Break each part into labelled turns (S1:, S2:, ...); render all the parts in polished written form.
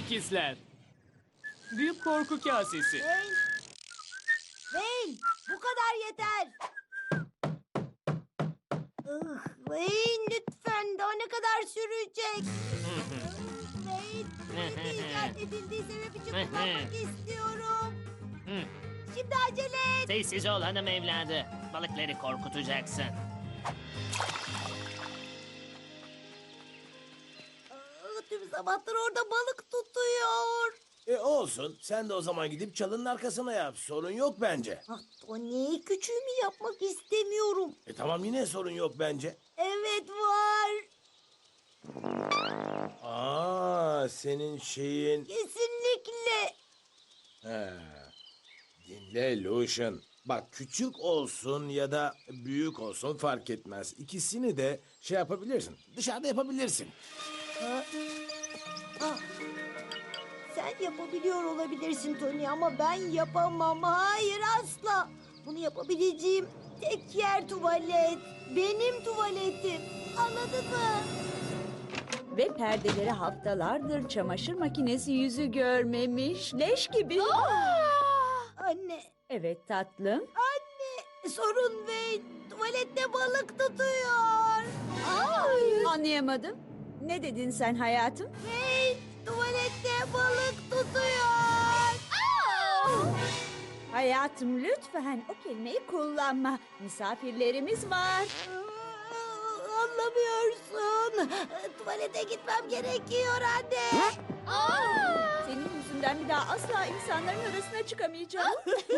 S1: ikizler. Büyük korku kasesi.
S2: Wayne. Wayne, bu kadar yeter. Wayne lütfen, daha ne kadar sürecek? Wayne, beni icat edildiği sebep için kullanmak istiyorum. Şimdi acele et.
S3: Sessiz ol hanım evladı. Balıkları korkutacaksın.
S2: Tüm zamandır orada balık tutuyor.
S4: Olsun. Sen de o zaman gidip çalının arkasına yap. Sorun yok bence.
S2: Tony, küçüğümü yapmak istemiyorum.
S4: Tamam, yine sorun yok bence.
S2: Evet var.
S4: Senin şeyin...
S2: Kesinlikle.
S4: He. Dinle Lucian. Bak, küçük olsun ya da büyük olsun fark etmez. İkisini de şey yapabilirsin. Dışarıda yapabilirsin.
S2: Sen yapabiliyor olabilirsin Tony ama ben yapamam. Hayır, asla. Bunu yapabileceğim tek yer tuvalet. Benim tuvaletim. Anladın mı?
S5: Ve perdeleri haftalardır çamaşır makinesi yüzü görmemiş. Leş gibi.
S2: Anne,
S5: Evet tatlım.
S2: sorun ve tuvalette balık tutuyor.
S5: Anlayamadım. Ne dedin sen hayatım?
S2: Ve tuvalette balık tutuyor.
S5: Hayatım lütfen o kelimeyi kullanma. Misafirlerimiz var.
S2: Anlamıyorsun. Tuvalete gitmem gerekiyor anne.
S5: Senin yüzünden bir daha asla insanların arasına çıkamayacağım.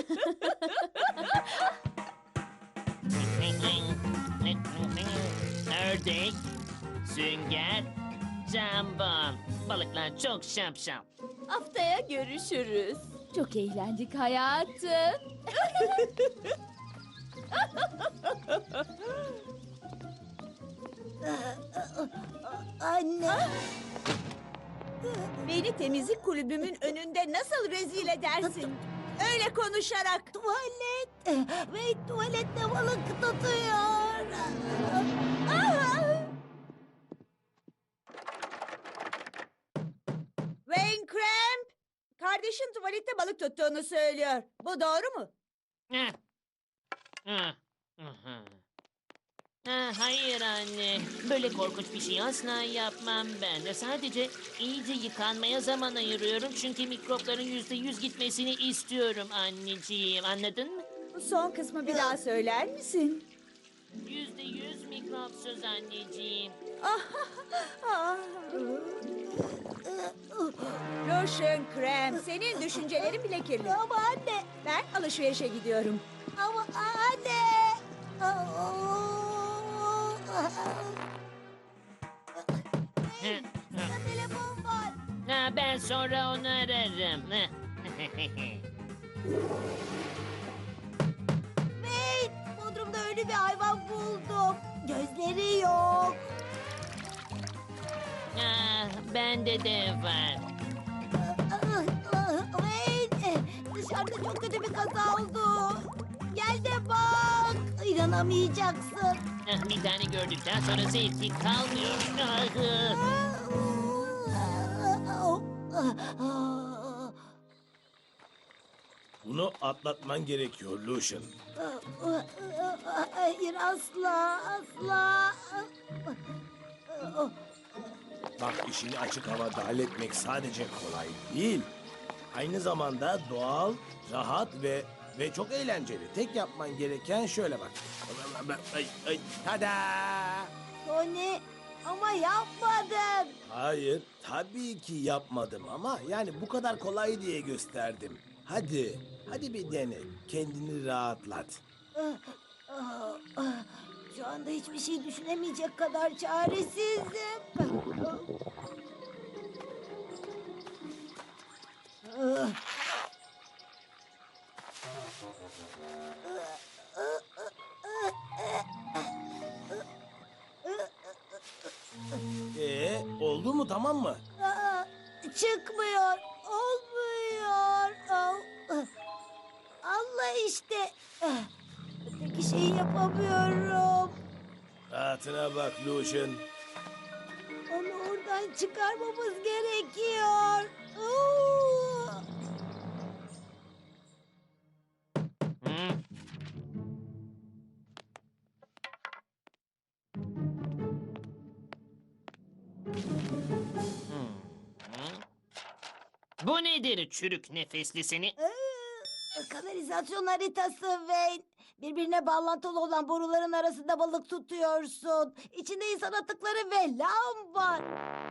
S3: Ördek, sünger, jambon. Balıklar çok şapşal.
S6: Haftaya görüşürüz. Çok eğlendik hayatım.
S2: Anne.
S5: Beni temizlik kulübümün önünde nasıl rezil edersin? Öyle konuşarak.
S2: Tuvalet. Ve tuvalette balık tutuyor.
S5: Wayne Cramp, kardeşin tuvalette balık tuttuğunu söylüyor. Bu doğru mu?
S3: Heh. Ah, aha. Hayır anne. Böyle korkunç bir şey asla yapmam ben de. Sadece iyice yıkanmaya zaman ayırıyorum. Çünkü mikropların %100 gitmesini istiyorum anneciğim. Anladın mı?
S5: Bu son kısmı bir daha söyler misin?
S3: %100 mikropsuz anneciğim.
S5: Lotion Krem, senin düşüncelerin bile kirli.
S2: Ama anne.
S5: Ben alışverişe gidiyorum.
S2: Ama anne. Hey, sana telefon var.
S3: Ben sonra onu ararım.
S2: Hey, Bodrum'da ölü bir hayvan buldum. Gözleri yok.
S3: Bende de var.
S2: Hey, dışarıda çok kötü bir kaza oldu. Gel de bak. İnanamayacaksın.
S3: Bir tane gördükten sonra zevki kalmıyor.
S4: Bunu atlatman gerekiyor Lucian.
S2: Hayır, asla, asla.
S4: Bak, işini açık havada halletmek sadece kolay değil. Aynı zamanda doğal, rahat ve çok eğlenceli. Tek yapman gereken şöyle bak. Tada!
S2: Tony, ama yapmadın.
S4: Hayır, tabii ki yapmadım ama yani bu kadar kolay diye gösterdim. Hadi bir dene. Kendini rahatlat.
S2: Şu anda hiçbir şey düşünemeyecek kadar çaresizim.
S4: Oldu mu, tamam mı?
S2: Çıkmıyor, olmuyor. Allah işte. Öteki şeyi yapamıyorum.
S4: Rahatına bak Lucian.
S2: Onu oradan buradan çıkarmamız gerekiyor. Oo!
S3: Hı? Bu nedir çürük nefesli seni?
S2: Kanalizasyon haritası Wayne. Birbirine bağlantılı olan boruların arasında balık tutuyorsun. İçinde insan atıkları ve lav var.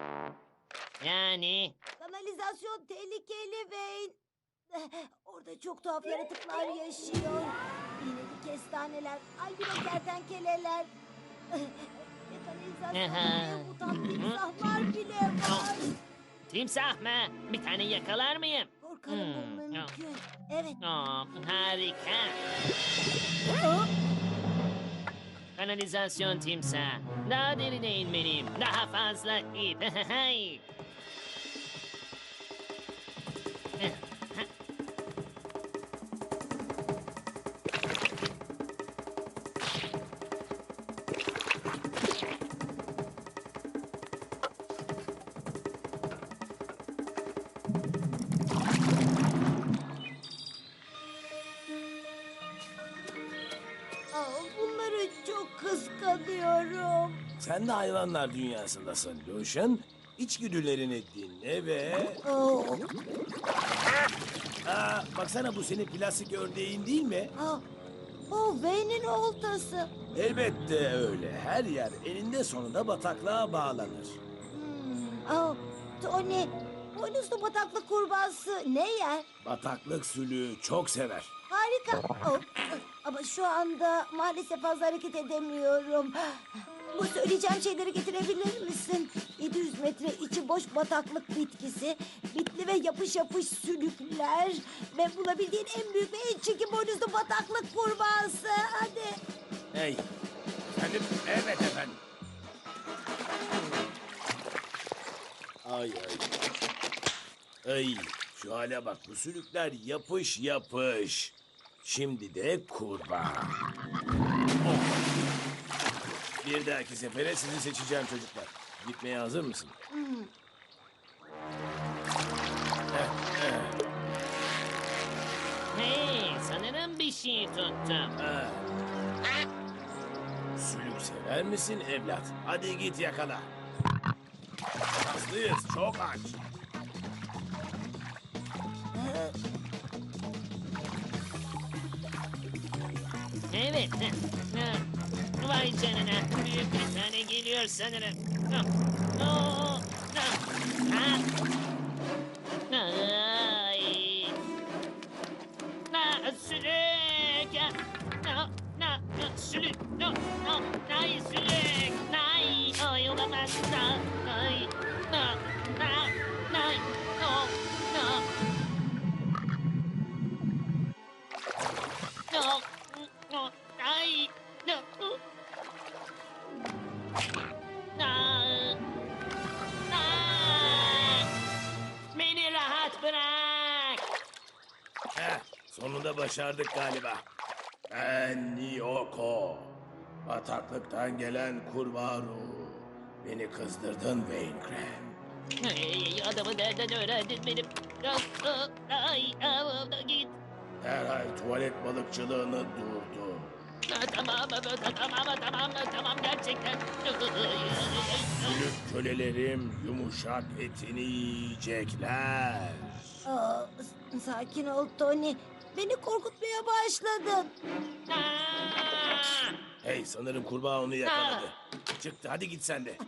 S3: Yani
S2: Kanalizasyon tehlikeli Wayne. Orada çok tuhaf yaratıklar yaşıyor. İğneli kestaneler, albino kertenkeleler. Ve kanalizasyonda mutant timsahlar bile var.
S3: timsah mı? Bir tane yakalar mıyım?
S2: Korkarım bu mümkün. Evet.
S3: Harika.
S2: Aa,
S3: Kanalizasyon timsah. Daha derine inmeliyim. Daha fazla ip.
S2: bunları çok kıskanıyorum.
S4: Sen de hayvanlar dünyasındasın Lucian. İçgüdülerini dinle ve...
S2: Oo,
S4: baksana bu senin plastik ördeğin değil mi?
S2: o Wayne'in oltası.
S4: Elbette öyle. Her yer eninde sonunda bataklığa bağlanır.
S2: Tony, boynuzlu bataklık kurbağası ne yer?
S4: Bataklık sülüğü çok sever.
S2: Harika. Ama şu anda maalesef fazla hareket edemiyorum. Bu söyleyeceğim şeyleri getirebilir misin? 700 metre içi boş bataklık bitkisi, bitli ve yapış yapış sülükler ve bulabildiğin en büyük ve en çirkin boynuzlu bataklık kurbağası. Hadi.
S4: Hey. Efendim? Evet efendim. Ay ay. Ay. Şu hale bak. Bu sülükler yapış yapış. Şimdi de kurbağa. Oh. Bir dahaki sefere sizi seçeceğim çocuklar. Gitmeye hazır mısın?
S3: Hey, sanırım bir şey tuttum.
S4: Sülük sever misin evlat? Hadi git yakala. Hızlıyız, çok aç.
S3: Evet. Vay canına. Büyük bir tane geliyor sanırım. Ay. Sülük. Sülük. Ay sülük. Ay olamaz. Ay. Ay. Ay. Beni rahat bırak.
S4: Sonunda başardık galiba. Ben Niyoko. Bataklıktan gelen kurbağa ruhu. Beni kızdırdın Wayne Graham.
S3: Adamı nereden öğrendin benim? Ay, git.
S4: Derhal tuvalet balıkçılığını durdur.
S3: Tamam gerçekten.
S4: Sülük kölelerim yumuşak etini yiyecekler.
S2: Sakin ol Tony. Beni korkutmaya başladın.
S4: Hey sanırım kurbağa onu yakaladı. Çıktı hadi git sen de.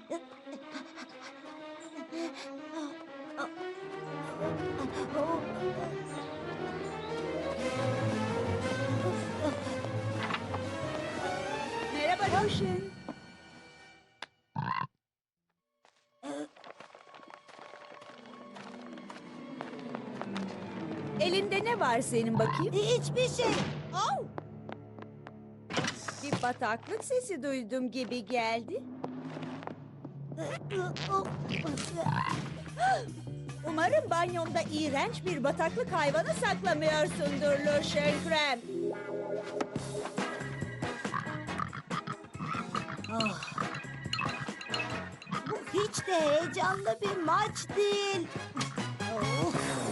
S5: Merhaba Lucian. Elinde ne var senin bakayım?
S2: Hiçbir şey.
S5: Oh! Bir bataklık sesi duydum gibi geldi. Umarım banyonda iğrenç bir bataklık hayvanı saklamıyorsundur Lucian Krem.
S2: Bu Hiç de heyecanlı bir maç değil. Oh.